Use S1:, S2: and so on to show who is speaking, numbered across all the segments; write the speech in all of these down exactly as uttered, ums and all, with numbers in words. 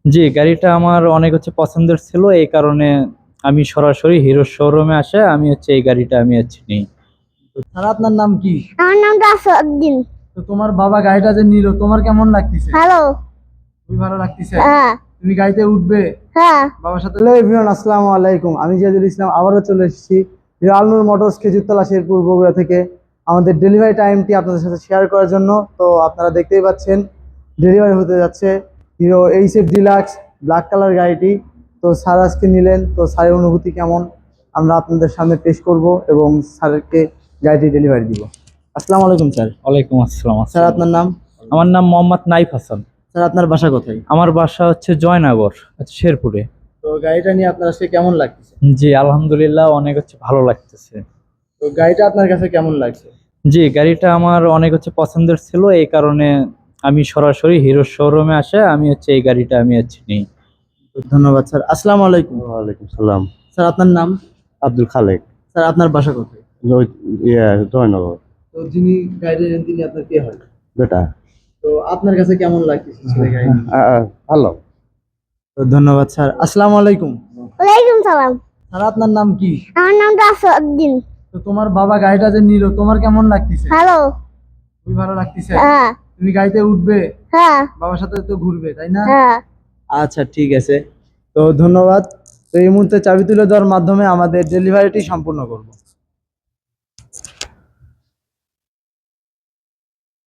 S1: জি, গাড়িটা আমার অনেক হচ্ছে পছন্দের ছিল। এই কারণে আমি সরাসরি হিরো শোরুমে আসে আমি হচ্ছে এই গাড়িটা আমি হচ্ছে নিই।
S2: আর আপনার নাম কি?
S3: আমার নামটা আসাদুদ্দিন।
S2: তো তোমার বাবা গাড়িটা যে নিল তোমার কেমন লাগতেছে?
S3: হ্যালো।
S2: খুবই ভালো লাগতেছে।
S3: হ্যাঁ।
S2: তুমি গাড়িতে উঠবে?
S3: হ্যাঁ।
S2: বাবার সাথে। হ্যালো এভরিওয়ান, আসসালামু আলাইকুম। আমি জিয়াদুল ইসলাম আবারও চলে এসেছি হিরো আলনুর মোটরস খেজুরতলা শেরপুর বগুড়া থেকে আমাদের ডেলিভারি টাইমটি আপনাদের সাথে শেয়ার করার জন্য। তো আপনারা দেখতেই পাচ্ছেন ডেলিভারি হতে যাচ্ছে Hero HF deluxe black colour গাড়িটি। তো স্যার আজকে নিলেন, তো স্যারের অনুভূতি কেমন আমরা আপনাদের সামনে পেশ করব এবং স্যারকে গাড়িটি ডেলিভারি দিব। আসসালামু আলাইকুম স্যার।
S1: ওয়ালাইকুম আসসালাম।
S2: স্যার আপনার নাম?
S1: আমার নাম মোহাম্মদ নাইফ হাসান।
S2: স্যার আপনার বাসা কোথায়?
S1: আমার বাসা হচ্ছে জয়নগর, আচ্ছা শেরপুরে।
S2: তো গাড়িটা নিয়ে আপনার আজকে কেমন লাগতেছে?
S1: জি আলহামদুলিল্লাহ, অনেক হচ্ছে ভালো লাগতেছে।
S2: তো গাড়িটা আপনার কাছে কেমন লাগছে?
S1: জি, গাড়িটা আমার অনেক হচ্ছে পছন্দের ছিল। এই কারণে আমি সরাসরি হিরো শোরুমে আসে আমি হচ্ছে এই গাড়িটা আমি হচ্ছে নিই।
S2: তো ধন্যবাদ স্যার। আসসালামু আলাইকুম।
S4: ওয়ালাইকুম সালাম।
S2: স্যার আপনার নাম?
S4: আব্দুল খালেক।
S2: স্যার আপনার বাসা কোথায়?
S4: জয়- ইয়ে, জয়নগর।
S2: তো যিনি গাড়ি নেন তিনি আপনার কে হয়?
S4: বেটা।
S2: তো আপনার কাছে কেমন লাগতেছে ছেলে গাড়ি?
S4: আ, আ, ভালো।
S2: তো ধন্যবাদ স্যার। আসসালামু আলাইকুম।
S3: ওয়ালাইকুম সালাম।
S2: স্যার আপনার নাম কি?
S3: আমার নামটা আসাদুদ্দিন।
S2: তো তোমার বাবা গাড়িটা যে নিল তোমার কেমন লাগতেছে?
S3: হ্যালো।
S2: খুবই ভালো লাগতেছে।
S3: হ্যাঁ।
S2: তুমি গাড়িতে উঠবে?
S3: হ্যাঁ।
S2: বাবার সাথে তো ঘুরবে তাই না?
S3: হ্যাঁ।
S2: আচ্ছা ঠিক আছে। তো ধন্যবাদ। তো এই মুহূর্তে চাবি তুলে দেওয়ার মাধ্যমে আমাদের ডেলিভারিটি সম্পূর্ণ করব।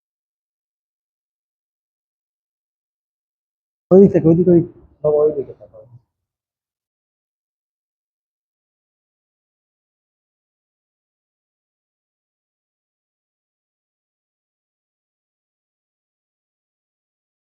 S2: ওইদিক থেকে ওইদিক ওইদিক বাবা ওইদিকে থাকো।